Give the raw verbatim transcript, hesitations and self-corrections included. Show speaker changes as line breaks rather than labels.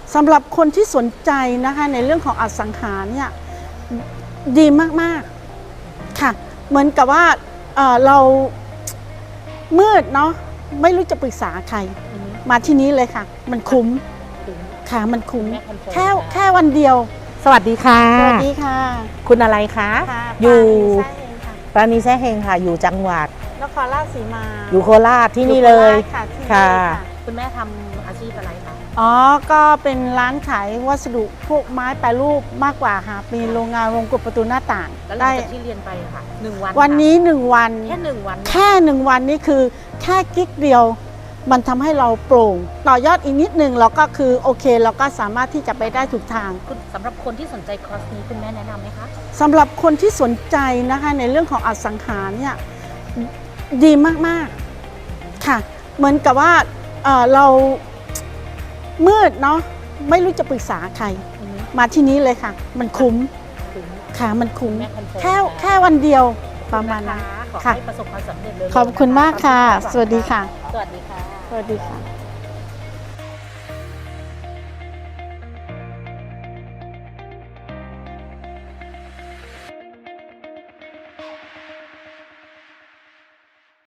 สำหรับคนที่สนใจนะคะในเรื่องของอสังหาเนี่ยดีมากๆค่ะเหมือนกับว่าเอ่อเรามืดเนาะไม่รู้จะปรึกษาใครมาที่นี้เลยค่ะมันคุ้มค่ะมันคุ้มแค่แค่วันเดียว
สวัสดีค่ะ
สวัสดีค่ะ
คุณอะไรคะ
อยู่
ปราณีแซ่เฮงค่ะอยู่จังหวัด
นครราชสีมา
อยู่โคราชที่นี่เลย
ค่ะ
คุณแม่ทำอาชีพอะไรคะ
อ๋อก็เป็นร้านขายวัสดุพวกไม้แปรรูปมากกว่าค่ะมีโรงงานโรงกลประตูหน้าต่าง
แล้วหลังจากที่เรียนไปค่ะหนึ่งวัน
วันนี้หนึ่งวัน
แค่หนึ่งวัน
แค่หนึ่งวันนี้คือแค่กิ๊กเดียวมันทำให้เราโปร่งต่อยอดอีกนิดนึงเราก็คือโอเคเราก็สามารถที่จะไปได้ถูกทาง
สำหรับคนที่สนใจคอร์สนี้คุณแม่แนะนำไหมคะ
สำหรับคนที่สนใจนะคะในเรื่องของอสังหาเนี่ยดีมากๆค่ะเหมือนกับว่าเอ่อเรามืดเนาะไม่รู้จะปรึกษาใครมาที่นี้เลยค่ะมันคุ้มค่ะมันคุ้มแค่แค่วันเดียวประมาณนั้น
ขอให้ประสบความสำเร็จเลย
ขอบคุณมากค่ะสวัสดีค่ะ
สวัสดีค่ะ
สวัสดีค่ะ